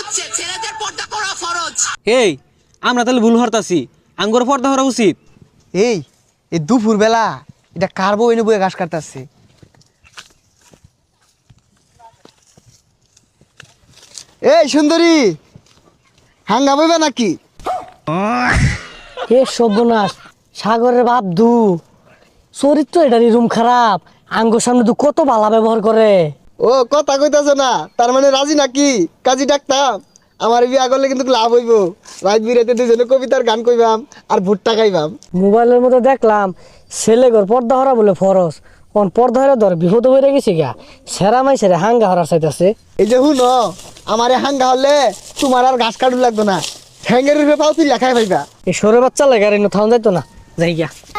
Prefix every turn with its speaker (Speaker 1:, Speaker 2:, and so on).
Speaker 1: ছেলেদের পর্দা করা ফরজ।
Speaker 2: এই আমরা তাহলে ভুল হরতাছি, আঙ্গুর পর্দা করা উচিত।
Speaker 3: এই দুপুর বেলা এটা কার বউ এনে বয়ে ঘাস কাটতেছে? এই সুন্দরী, হাঙ্গা বইবে নাকি?
Speaker 4: এ সর্বনাশ, সাগরের বাপ দু চরিত্র এটারই রুম খারাপ। আঙ্গুর সামনে দু কত বালা ব্যবহার করে।
Speaker 3: ও কথা কইতাছ না, তার মানে রাজি নাকি? কাজী ডাকতাম, আমার বিয়া করলে কিন্তু লাভ হইব। রাত বিরাতে দুজনে কবিতার গান কইবাম আর ভুট্টা খাইবাম।
Speaker 4: মোবাইলের মধ্যে দেখলাম ছেলে ঘর পর্দা হরা বলে ফরজ, কোন পর্দা হরা ধর বিপদ হয়ে গেছে গা। সেরা মাই সেরা হাঙ্গা হরার চাইতেছে।
Speaker 3: এই যে হুন, আমার হাঙ্গা হলে তোমার আর ঘাস কাটু লাগতো না, ঠ্যাঙ্গের রূপে পাও তুই লেখাই পাইবা।
Speaker 4: এই সরে বাচ্চা লাগে আর থাউন যাইতো না, যাই গিয়া।